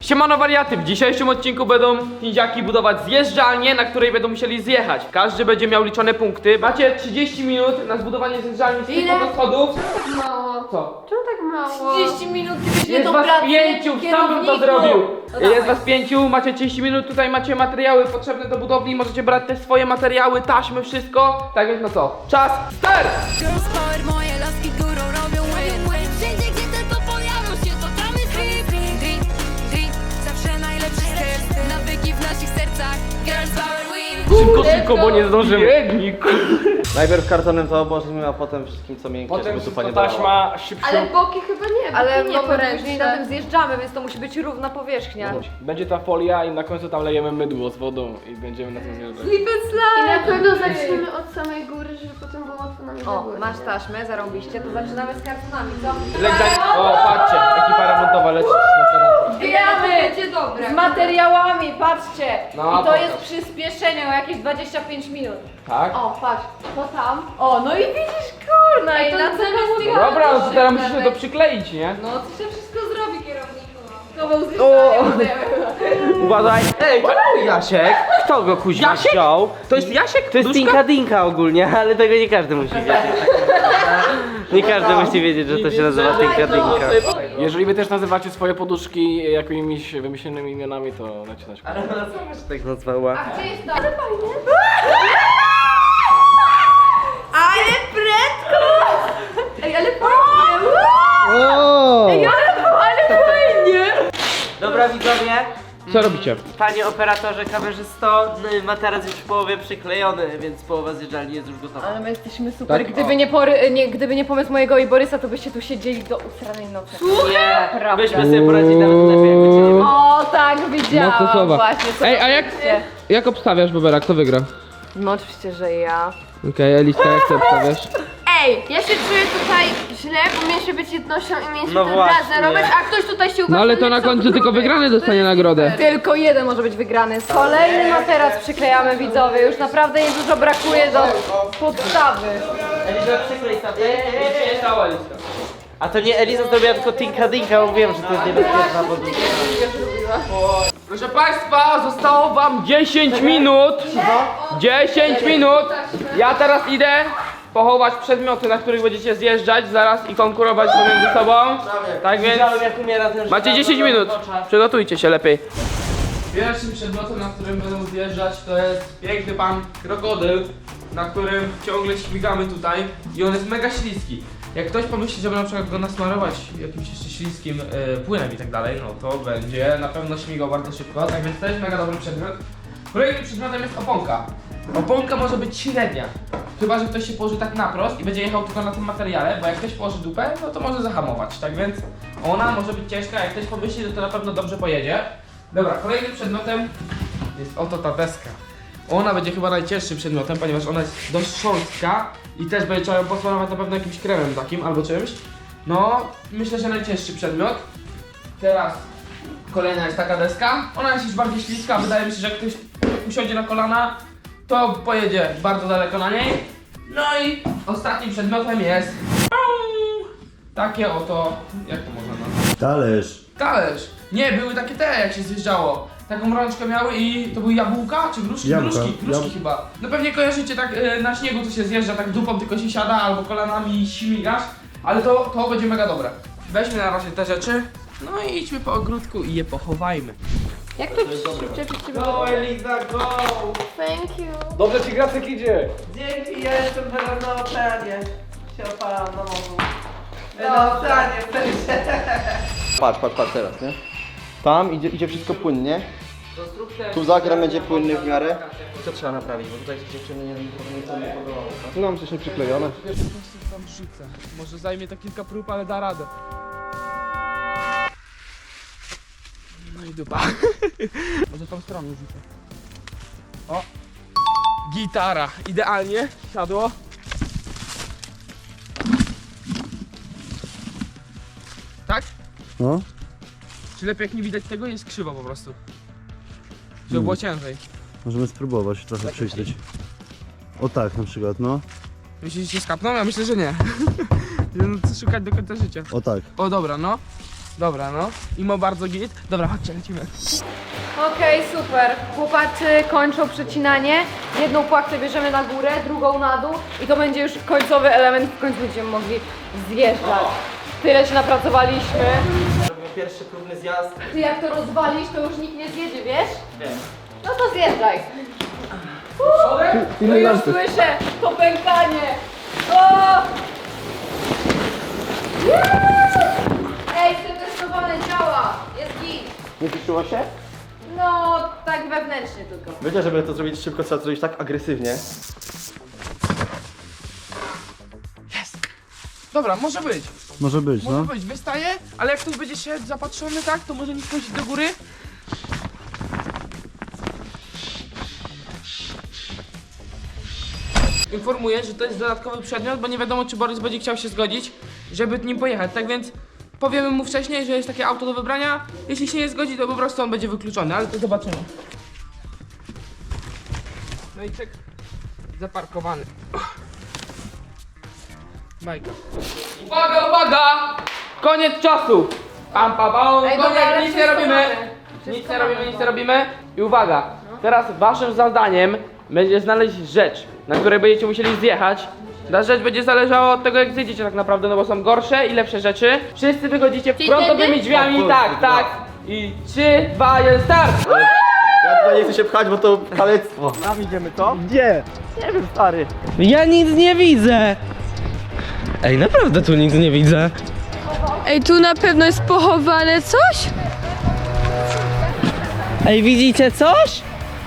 Siemano wariaty, w dzisiejszym odcinku będą nindziaki budować zjeżdżalnię, na której będą musieli zjechać. Każdy będzie miał liczone punkty. Macie 30 minut na zbudowanie zjeżdżalni z tylko do schodów. Tak mało. Co? Czemu tak mało? 30 minut, gdybyś nie Jest tą was pracę 5, sam bym to kierowniku. zrobił. No Jest dawaj. was 5, macie 30 minut, tutaj macie materiały potrzebne do budowli, możecie brać też swoje materiały, taśmy, wszystko. Tak więc no co? Czas, start! Girls power, moje laski górą robią win. Wszędzie gdzie tylko pojawią się, to tam jest drip. Zawsze najlepszy styl, nawyki w naszych sercach. Girls power win. Szybko, bo nie zdążymy. Biednik. Najpierw kartonem to obłożymy, a potem wszystkim co miękkie, Potem żeby wszystko dupa nie bolała. taśma, szybciej. Ale boki chyba nie, Ale boki no nie bo poręczne. później na tym zjeżdżamy, więc to musi być równa powierzchnia. Będzie ta folia i na końcu tam lejemy mydło z wodą i będziemy na tym zjeżdżać. I na pewno zaczniemy od samej góry, żeby potem było łatwo nam O, na górę. masz taśmę, zarąbiście, to zaczynamy z kartonami, co? O, patrzcie, ekipa remontowa leci na teraz. Zbieramy Będzie dobre. z materiałami, patrzcie! No, I to pokaż. jest przyspieszenie o jakieś 25 minut. Tak? O, patrz, to tam. O, no i widzisz, kurna, i na co komu No dobra, no to teraz musisz to przykleić, nie? No, to się wszystko zrobi, kierowniku. To był zjeżdżanie. Uważaj! Ej, to Jasiek! Kto go kuźwa Jasiek? wziął? To jest Jasiek? To jest Tinka Dinka ogólnie, ale tego nie każdy musi wiedzieć. Nie każdy musi wiedzieć, że to się nazywa Tinka Dinka. Jeżeli wy też nazywacie swoje poduszki jakimiś wymyślonymi imionami, to dajcie znać. Ale ona sama się tak nazwała. Gdzie jest to? Ale fajnie. Ale prędko! Ej, ale fajnie! Ej, ale fajnie! Dobra widzowie, Co robicie? panie operatorze, kamerzysto, ma teraz już w połowie przyklejony, więc połowa zjeżdżalni jest już gotowa. Ale my jesteśmy super. Tak? Gdyby nie pomysł mojego i Borysa, to byście tu siedzieli do usranej nocy. Nie, Prawda. myśmy sobie poradzili nawet lepiej, jakby cię nie było. O, tak, widziałam. Mocne słowa. Właśnie, co Ej, a jak, robicie? jak obstawiasz, Bobera? Kto wygra? No oczywiście, że ja. Okej, Eliska, jak ty obstawiasz? Ej, ja się czuję tutaj źle, bo mieliśmy być jednością i mieliśmy No to właśnie. razem robić, a ktoś tutaj się uważa. No ale to na końcu tylko wygrany dostanie nagrodę. Tylko jeden może być wygrany. Kolejny materac przyklejamy, widzowie. Już naprawdę niedużo brakuje do podstawy. Eliza, przyklej sobie. A to nie Eliza zrobiła, tylko Tinka Dinka, bo wiem, że to jest niebezpieczna poduszka. Proszę Państwa, zostało Wam 10 minut. 10 minut. Ja teraz idę pochować przedmioty, na których będziecie zjeżdżać zaraz i konkurować między sobą. Tak więc Widziałem, jak umiera ten macie żyraf 10 w minut. oczach. Przygotujcie się lepiej. Pierwszym przedmiotem, na którym będą zjeżdżać, to jest piękny pan krokodyl, na którym ciągle śmigamy tutaj i on jest mega śliski. Jak ktoś pomyśli, żeby na przykład go nasmarować jakimś jeszcze śliskim płynem i tak dalej, no to będzie na pewno śmigał bardzo szybko, tak więc to jest mega dobry przedmiot. Kolejnym przedmiotem jest oponka. Oponka może być średnia, chyba że ktoś się położy tak naprost i będzie jechał tylko na tym materiale, bo jak ktoś położy dupę, no to może zahamować, tak więc ona może być ciężka, jak ktoś pomyśli, że to na pewno dobrze pojedzie. Dobra, kolejnym przedmiotem jest oto ta deska. Ona będzie chyba najcięższym przedmiotem, ponieważ ona jest dość szorstka i też będzie trzeba ją posmarować na pewno jakimś kremem takim albo czymś. No, myślę, że najcięższy przedmiot. Teraz kolejna jest taka deska. Ona jest już bardziej śliska, wydaje mi się, że jak ktoś usiądzie na kolana, to pojedzie bardzo daleko na niej. No i ostatnim przedmiotem jest takie oto, jak to można nazwać? Talerz. Talerz. Nie, były takie te, jak się zjeżdżało. Taką rączkę miały i to były jabłka czy gruszki? Jabłka. Gruszki chyba. No pewnie kojarzycie tak na śniegu, to się zjeżdża, tak dupą tylko się siada albo kolanami śmigasz. Ale to będzie mega dobre. Weźmy na razie te rzeczy. No i idźmy po ogródku i je pochowajmy. Jak to przyczepić ciebie? Go Eliza, go! Thank you. Dobrze ci Gracek idzie! Dzięki, ja jestem teraz na oceanie. Się opalam na morzu. Na oceanie, w sensie. Patrz teraz, nie? Tam idzie wszystko płynnie. Tu zakręt będzie płynny w miarę. Co trzeba naprawić, bo tutaj się dziewczyny nie podobało. Tu nam coś nie przyklejone. Pierwszy konstrukt tam rzucę. Może zajmie to kilka prób, ale da radę. No i dupa. Może tą stroną rzucę. O! Gitara. Idealnie. Siadło. Tak? No. Czy lepiej jak nie widać tego? Jest krzywo po prostu. Żeby było ciężej. Możemy spróbować trochę przyjrzeć. O tak na przykład, no. Myślisz, że się skapną? Ja myślę, że nie. No, co szukać do końca życia. O tak. O dobra, no. Dobra, no. Imo bardzo git. Dobra, chodźcie, lecimy. Okej, super. Chłopacy kończą przecinanie. Jedną płachtę bierzemy na górę, drugą na dół i to będzie już końcowy element, w końcu będziemy mogli zjeżdżać. Tyle się napracowaliśmy. Robimy pierwszy próbny zjazd. Ty jak to rozwalisz, to już nikt nie zjedzie, wiesz? Wiem. No to zjeżdżaj. No już słyszę to pękanie. O! Ej, przetestowane działa. Jest git. Nie wyczuło się? No, tak wewnętrznie tylko. Wiecie, żeby to zrobić szybko, trzeba to zrobić tak agresywnie. Dobra, może być. Może być, Może być, wystaje, ale jak ktoś będzie się zapatrzony, tak, to może nie wchodzić do góry. Informuję, że to jest dodatkowy przedmiot, bo nie wiadomo, czy Borys będzie chciał się zgodzić, żeby nim pojechać. Tak więc powiemy mu wcześniej, że jest takie auto do wybrania. Jeśli się nie zgodzi, to po prostu on będzie wykluczony, ale to zobaczymy. No i czek zaparkowany. Bajka. Uwaga, uwaga! Koniec czasu! Pam, pam, pam. Ej, dobra, Koniec, ale nic nie wszystko robimy. mamy. Nic nie robimy. I uwaga, teraz waszym zadaniem będzie znaleźć rzecz, na której będziecie musieli zjechać. Ta rzecz będzie zależała od tego, jak zjedziecie tak naprawdę, no bo są gorsze i lepsze rzeczy. Wszyscy wychodzicie frontowymi drzwiami, tak, tak. I 3, 2, 1, start! Ja tutaj nie chcę się pchać, bo to kalectwo. Tam idziemy, to? Gdzie? Nie wiem, stary. Ja nic nie widzę! Ej, naprawdę tu nic nie widzę. Ej, tu na pewno jest pochowane coś? Ej, widzicie coś?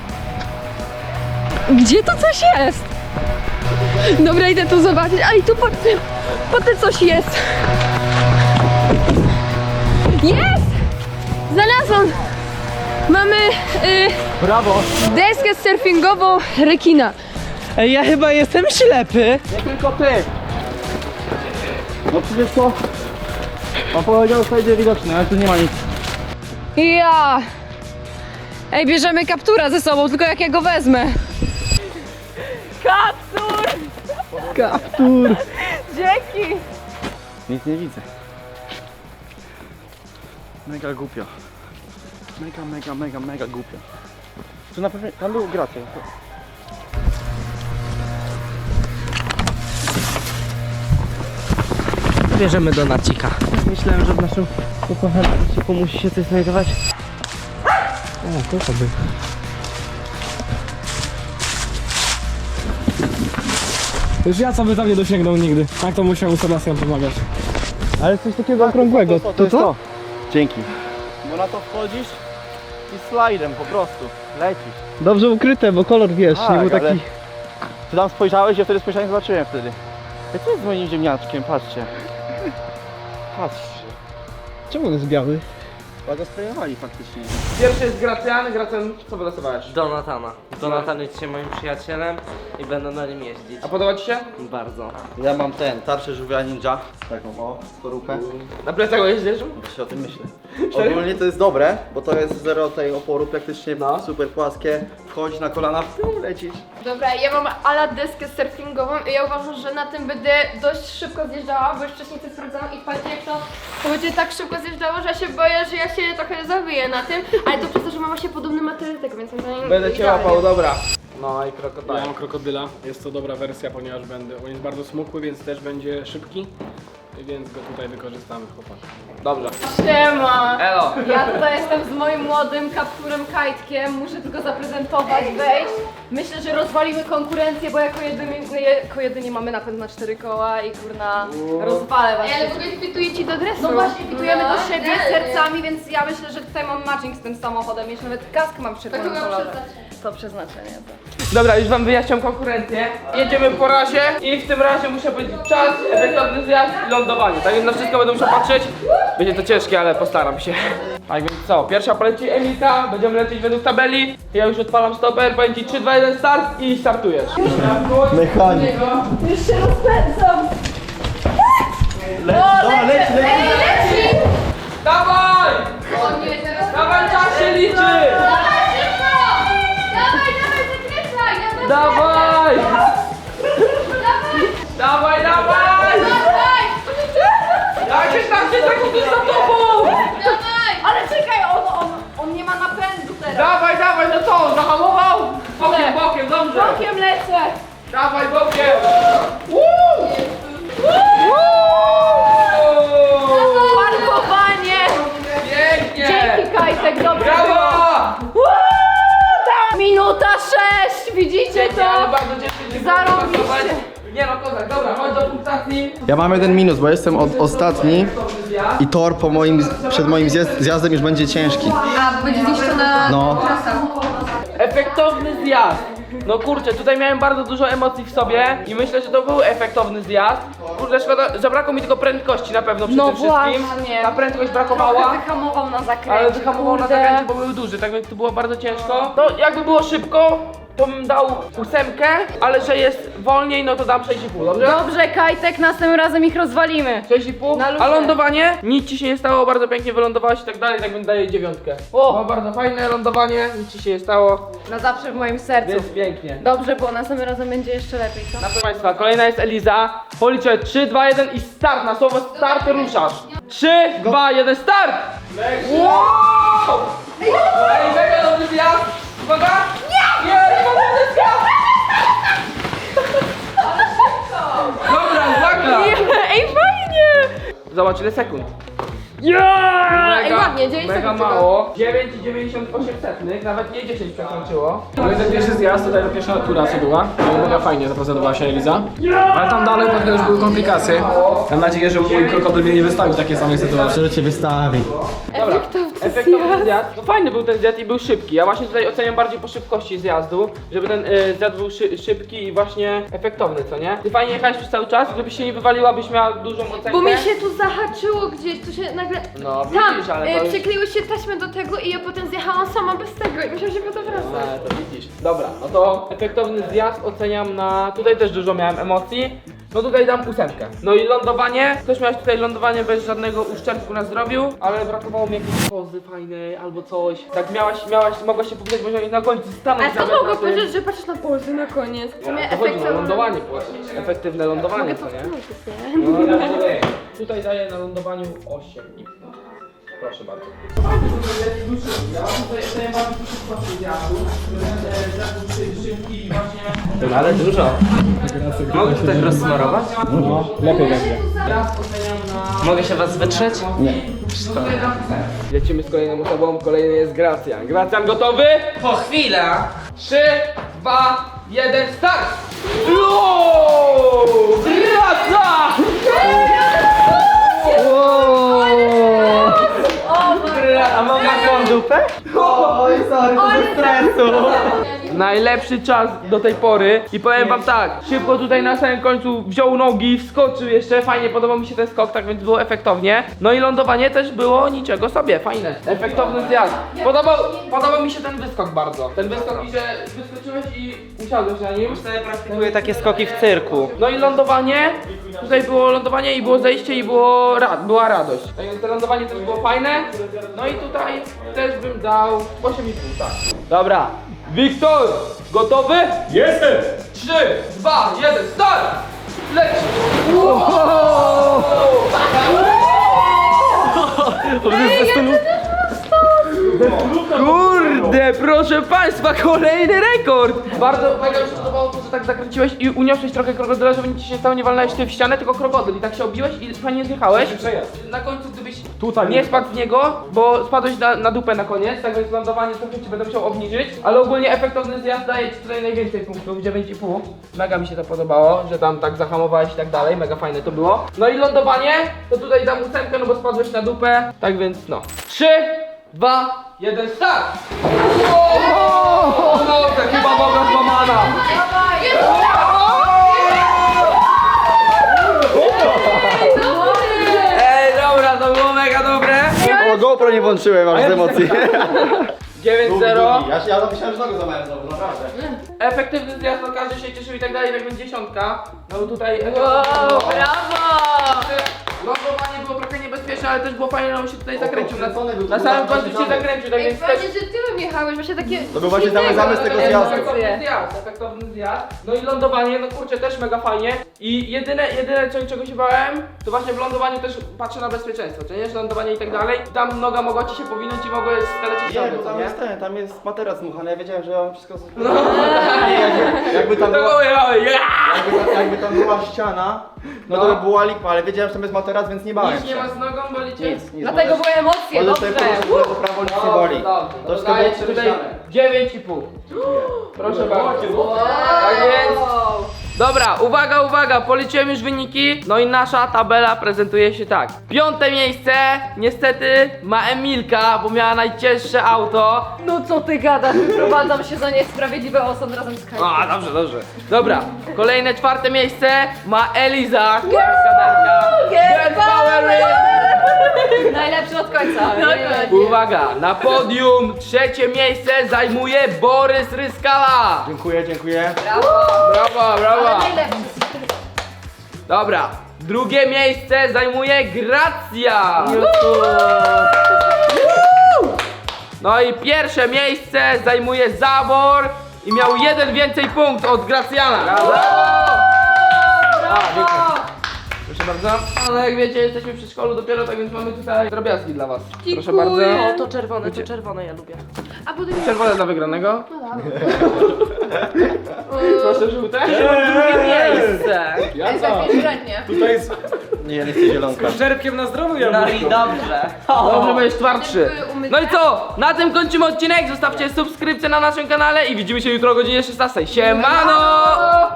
Gdzie to coś jest? Dobra, idę tu zobaczyć. Ej, tu pod tym coś jest. Jest! Znalazłam! Mamy Brawo! deskę surfingową rekina. Ej, ja chyba jestem ślepy. Nie tylko ty. No przecież to... On powiedział, że będzie widoczny, ale tu nie ma nic. Ja! Ej, bierzemy kaptura ze sobą, tylko jak ja go wezmę. Kaptur! Kaptur! Dzięki! Nic nie widzę. Mega głupio. Mega głupio. Tu na pewno... Tam był gracie. Bierzemy donacika. Myślałem, że w naszym ukochanym odcinku musi się coś znajdować. O, to by. Już ja sobie tam nie dosięgnął nigdy. Tak to musiał Sebastian pomagać. Ale coś takiego okrągłego. To jest to? Dzięki. Bo na to wchodzisz i slajdem po prostu lecisz. Dobrze ukryte, bo kolor wiesz, Tak, nie był taki... ale- Ty tam spojrzałeś, ja wtedy spojrzałem, zobaczyłem wtedy. Ej, co jest z moim ziemniaczkiem? Patrzcie. Patrzcie. Czemu on jest biały? Chyba go sprayowali faktycznie. Pierwszy jest Gracjan. Gracjan, co wylosowałeś? Donatana. Donatan jest dzisiaj moim przyjacielem i będę na nim jeździć. A podoba ci się? Bardzo. Ja mam tarczę żółwia ninja. Taką o, skorupę. Na plecach jeździsz? Właśnie o tym myślę. Ogólnie to jest dobre, bo to jest zero tej oporu, praktycznie super płaskie. Wchodzi na kolana, lecisz. Dobra, ja mam ala deskę surfingową i ja uważam, że na tym będę dość szybko zjeżdżała, bo już wcześniej to sprawdzałam i patrzcie jak to będzie tak szybko zjeżdżało, że ja się boję, że ja się trochę zawiję na tym, ale to przez to, że mam właśnie podobny materiał tego, więc moim zdaniem Będę cię idealnie. łapał, dobra. No i krokodyl. Ja mam krokodyla. Jest to dobra wersja, ponieważ on jest bardzo smukły, więc też będzie szybki. Więc go tutaj wykorzystamy, chłopaki. Dobrze. Siema! Elo. Ja tutaj jestem z moim młodym kapturem Kajtkiem, muszę tylko zaprezentować, wejść. Myślę, że rozwalimy konkurencję, bo jako jedynie mamy napęd na 4 koła i kurna rozwalę was. Ej, ale w ogóle fituje ci do dresu. No właśnie, pitujemy do siebie sercami, więc ja myślę, że tutaj mam matching z tym samochodem, jeszcze nawet kask mam w czerwonym chyba kolorze. przeznaczenie. To przeznaczenie, to. Dobra, już wam wyjaśniam konkurencję. Jedziemy po razie i w tym razie muszę powiedzieć czas, efektowny zjazd i lądowanie. Tak więc na wszystko będę musiał patrzeć. Będzie to ciężkie, ale postaram się. Tak więc co, pierwsza poleci Emilka, będziemy lecieć według tabeli. Ja już odpalam stoper, powiem ci 3, 2, 1 start i startujesz. Mechanik. Już się rozpędzam! Leci. Dawaj! O nie, teraz... Dawaj, czas się liczy! Dawaj szybko! Dawaj, zakręcaj! Dawaj! Dawaj, dawaj! Dawaj! Jak 16 sekund jest za tobą! Kajtek, dobrze Brawo! było. Minuta 6, widzicie Nie, ale to? bardzo ciężko się Zarobiście. pracować. Nie no, kozak, dobra, chodź do punktacji. Ja mam jeden minus, bo jestem ostatni Zjazd. i tor przed moim zjazdem już będzie ciężki. A, będzie zniszczona No. trasa. Efektowny zjazd. No kurczę, tutaj miałem bardzo dużo emocji w sobie i myślę, że to był efektowny zjazd. Kurde, szkoda, zabrakło mi tylko prędkości na pewno przy No tym wszystkim. właśnie. Ta prędkość brakowała. Wyhamował na zakręcie. Ale wyhamował na kurde. zakręcie, bo był duży, tak więc to było bardzo ciężko. To jakby było szybko, to bym dał 8, ale że jest wolniej, no to dam 6,5, dobrze? Dobrze, Kajtek, następnym razem ich rozwalimy. 6,5. Na luzie. A lądowanie? Nic ci się nie stało, bardzo pięknie wylądowałaś i tak dalej, tak więc daję 9. O, było bardzo fajne lądowanie, nic ci się nie stało, Na zawsze w moim sercu. więc pięknie. Dobrze, bo następnym razem będzie jeszcze lepiej, co? Proszę Państwa, kolejna jest Eliza. Policzę 3, 2, 1 i start. Na słowo start ruszasz. 3, 2, 1, start! Wow! Ej, mega dobry zjazd! Uwaga! Nie! Nie, nie zjazd! Dobra, uwaga! Ej, fajnie! Zobacz ile sekund. Ej, ładnie, 9 mega sekund mało. 9,98, nawet nie 10 przekroczyło. No i ten pierwszy zjazd, tutaj pierwsza tura co była. Mega fajnie zaprezentowała się Eliza. Ale tam dalej pewnie już były komplikacje. Mam nadzieję, że mój krokodyl mnie nie wystawił w takiej samej sytuacji. Że cię wystawi. Dobra, efektowny zjazd. No fajny był ten zjazd i był szybki. Ja właśnie tutaj oceniam bardziej po szybkości zjazdu, żeby ten zjazd był szybki i właśnie efektowny, co nie? Ty fajnie jechałeś przez cały czas, gdybyś się nie wywaliła, byś miała dużą ocenkę. Bo mi się tu zahaczyło gdzieś, tu się nagle... No Tam, widzisz, ale to już... przykleiły się taśmy do tego i ja potem zjechałam sama bez tego i musiałam się potem wracać. To widzisz. Dobra, no to efektowny zjazd oceniam na... Tutaj też dużo miałem emocji. No tutaj dam 8. No i lądowanie. Też miałeś tutaj lądowanie bez żadnego uszczerbku na zdrowiu, ale brakowało mi jakiejś pozy fajnej albo coś. Tak mogłaś się pokazać, może na końcu stanąć. Ale co nawet mogło na tym. powiedzieć, że patrzysz na polsy na koniec? W sumie To chodzi na efektowne. lądowanie właśnie. Efektywne lądowanie, Mogę co nie? powtórzyć, No, ale tutaj daję na lądowaniu 8. Proszę bardzo. Ja tutaj daję bardzo dużo zjazdu, szybki i właśnie... Ale dużo. Mogę to tak rozsmarować? No, lepiej będzie. Zjazd oceniam na... Mogę się was wytrzeć? Lecimy z kolejną osobą, kolejny jest Gracjan. Gracjan gotowy? Po chwilę. 3, 2, 1, start! Wow! Graca! A mam taką dupę? Oj, sorry, to ze stresu. Najlepszy czas do tej pory i powiem wam tak, szybko tutaj na samym końcu wziął nogi, wskoczył jeszcze, fajnie podobał mi się ten skok, tak więc było efektownie. No i lądowanie też było niczego sobie, fajne, efektowny zjazd. Podobał mi się ten wyskok bardzo. Ten wyskok i że wyskoczyłeś i usiadłeś na nim. Sobie praktykuję takie skoki w cyrku. No i lądowanie, tutaj było lądowanie i było zejście i była radość. Tak więc to lądowanie też było fajne. No i tutaj też bym dał 8,5, tak. Dobra, Wiktor, gotowy? Jestem! 3, 2, 1, start! Leci! Kurde, proszę państwa, kolejny rekord! Bardzo mega mi się podobało to, że tak zakręciłeś i uniosłeś trochę krokodyla, żeby nic ci się stało, nie walnąłeś ty w ścianę, tylko krokodyl i tak się obiłeś i fajnie zjechałeś. Na końcu gdybyś Tutaj nie spadł z niego, bo spadłeś na dupę na koniec, tak więc lądowanie trochę ci będę musiał obniżyć, ale ogólnie efektowny zjazd daje ci tutaj najwięcej punktów, 9,5. Mega mi się to podobało, że tam tak zahamowałeś i tak dalej, mega fajne to było. No i lądowanie, to tutaj dam 8, no bo spadłeś na dupę, tak więc no. 3, 2, 1, start! No to chyba noga złamana! Ej, dobra, to było mega dobre! O, GoPro nie włączyłem, aż z emocji. 9-0. Ja myślałem, że nogę złamałem znowu, naprawdę. Efektywny zjazd, no każdy się cieszył i tak dalej, tak więc 10. No bo tutaj... Wow, brawo! Lądowanie było trochę niebezpieczne, ale też było fajne, no on się tutaj zakręcił. kręcony był, Na tu samym był końcu się zakręcony. zakręcił, tak Ej, więc też... fajnie, że tyłem jechałeś, właśnie takie... To był właśnie cały zamysł tego zjazdu. Efektowny zjazd. No i lądowanie, no kurczę, też mega fajnie. I jedyne czego się bałem, to właśnie w lądowaniu też patrzę na bezpieczeństwo, czy nie? Że lądowanie i tak dalej. Tam noga mogła ci się powinąć i mogła skalecić Nie, nogę, bo co tam nie? jest tam jest materac dmuchany, ja wiedziałem, że ja mam wszystko... Nie, jakby tam To była... było, Jakby tam była ściana, no to by była lipa, ale wiedziałem, że tam jest materac, więc nie bałem Nic nie się. ma z nogą, bolicie? Nic. Dlatego były emocje, Możesz dobrze. sobie po prostu w prawo, nic nie boli. Dobrze, To wszystko dodaję było ci tutaj przemyślane. 9,5. Proszę bardzo. Tak więc. Dobra, uwaga, uwaga, policzyłem już wyniki. No i nasza tabela prezentuje się tak. 5. miejsce niestety ma Emilka, bo miała najcięższe auto. No co ty gadasz, wyprowadzam się za niesprawiedliwy osąd razem z Kajkiem. A, dobrze, dobrze. Dobra, kolejne 4. miejsce ma Eliza. Girl Power Ring. Najlepszy od końca. Uwaga, na podium 3. miejsce zajmuje Borys Ryskała. Dziękuję, dziękuję. Brawo, brawo. Ale najlepszy. Dobra, 2. miejsce zajmuje Gracja. No i 1. miejsce zajmuje Zawor i miał 1 więcej punkt od Gracjana. Brawo! Proszę bardzo. Ale jak wiecie, jesteśmy przy szkolu dopiero, tak więc mamy tutaj drobiazgi dla was. Proszę bardzo. O, to czerwone ja lubię. A potem Czerwone dla wygranego. Proszę żółte. Drugie miejsce. Jadza! średnie. Tutaj jest Nie, ja nie chcę zielonka. czerpkiem na zdrowiu, ja No i dobrze. Dobrze, będziesz twardszy. No i co? Na tym kończymy odcinek. Zostawcie subskrypcję na naszym kanale i widzimy się jutro o godzinie 16. Siemano!